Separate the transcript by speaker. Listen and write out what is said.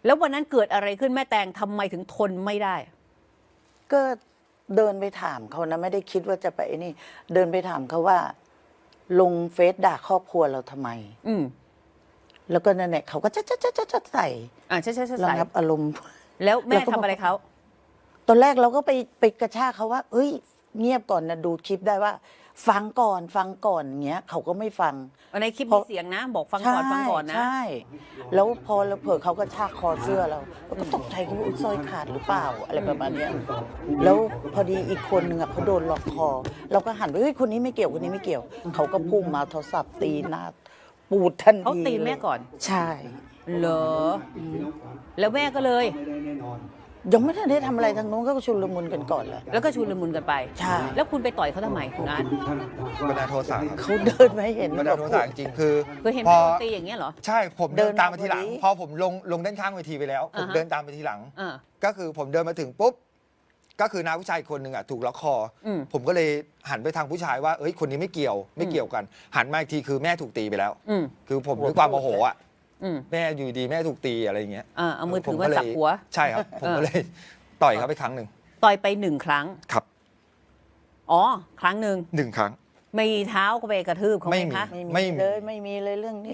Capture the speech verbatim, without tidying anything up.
Speaker 1: แล้ววันนั้นเกิดอะไรขึ้นแม่แตงทำไมถึงทนไม่ได้
Speaker 2: ก็เดินไปถามเขานะไม่ได้คิดว่าจะไปนี่ เดินไปถามเขาว่า ลงเฟซด่าครอบครัวเราทำไม
Speaker 1: อืม
Speaker 2: แล้วก็นั่นแหละเขาก็จะจะจะจะจะใส่
Speaker 1: อ่าใช่ใช่ใช่
Speaker 2: ระงับอารมณ์
Speaker 1: แล้วแม่
Speaker 2: แล้วก็
Speaker 1: ทำอะไรเขา
Speaker 2: ตอนแรกเราก็ไปไปกระชากเขาว่า เอ้ย เงียบก่อนนะดูคลิปได้ว่า ฟังก่อนฟังก่อนอย่างเงี้ยเขาก็ไม่ฟัง
Speaker 1: ในคลิป
Speaker 2: เพ
Speaker 1: มี
Speaker 2: ราะ
Speaker 1: เสียงนะ บอกฟังก่อนฟังก่อนนะ
Speaker 2: ใช่ แล้วพอเราเผลอเขาก็ชากคอเสื้อเราเราก็ตกใจเขาว่าอุ๊ยสร้อยขาดหรือเปล่าอะไรประมาณเนี้ยแล้วพอดีอีกคนหนึ่งอ่ะเขาโดนล็อกคอ เราก็หันไปเฮ้ยคนนี้ไม่เกี่ยวคนนี้ไม่เกี่ยว เขาก็พุ่งมาโทรศัพท์ตีหน้าปูดทันที
Speaker 1: เขาตีแม่ก่อน
Speaker 2: ใช่
Speaker 1: เหรอแล้วแม่ก็เลย
Speaker 2: ยังไม่ทันได้ทำอะไรทางโน้นก็ชุลมุนกันก่อนเลย
Speaker 1: แล้วก็ชุลมุนกันไป
Speaker 2: ใช่
Speaker 1: แล้วคุณไปต่อยเขาทำไมคุณอาร์ต
Speaker 3: บันดาลโทสะครับ
Speaker 2: เขาเดินมาให้เห็น
Speaker 3: บันดาลโทสะจริงๆคือ
Speaker 1: คือเห็น
Speaker 3: พอ
Speaker 1: โดนตีอย่างเงี้ยเหรอ
Speaker 3: ใช่ผม
Speaker 2: เดิ
Speaker 3: เดิ
Speaker 2: น
Speaker 3: นตามมาทีหลัง
Speaker 2: มาพอดี
Speaker 3: พอผมลงลงด้านข้างเวทีไปแล้ว ผม
Speaker 1: อ่าฮะ
Speaker 3: เดินตามไปทีหลัง
Speaker 1: อ่า
Speaker 3: ก็คือผมเดินมาถึงปุ๊บก็คือน้าผู้ชายคนหนึ่งอ่ะถูกล็อกคออ
Speaker 1: ม
Speaker 3: ผมก็เลยหันไปทางผู้ชายว่าเอ้ยคนนี้ไม่เกี่ยวไม่เกี่ยวกัน หันมาอีกทีคือแม่ถูกตีไปแล้ว
Speaker 1: อืม
Speaker 3: คือผมด้วยความโมโหอ่ะ
Speaker 1: อืม
Speaker 3: แม่อยู่ดีแม่ถูกตีอะไรอย่างเงี้ย
Speaker 1: อ่าเอามือถือ
Speaker 3: ผ
Speaker 1: มา
Speaker 3: ก็เลย
Speaker 1: สับหัว
Speaker 3: ใช่ครับ ผม
Speaker 1: เออ
Speaker 3: ก็เลยต่อยเขาไปครั้งหนึ่ง
Speaker 1: ต่อยไปหนึ่งครั้ง
Speaker 3: ครับ
Speaker 1: อ๋อ ครั้งหนึ่ง
Speaker 3: หนึ่งครั้ง
Speaker 1: มีเท้าก็ไปกระทืบเขาไหม
Speaker 3: ไม่มี
Speaker 1: คะ
Speaker 2: ไม่
Speaker 3: ไม่
Speaker 2: มี
Speaker 3: มี
Speaker 2: เลยไม่มีเลยเรื่องนี้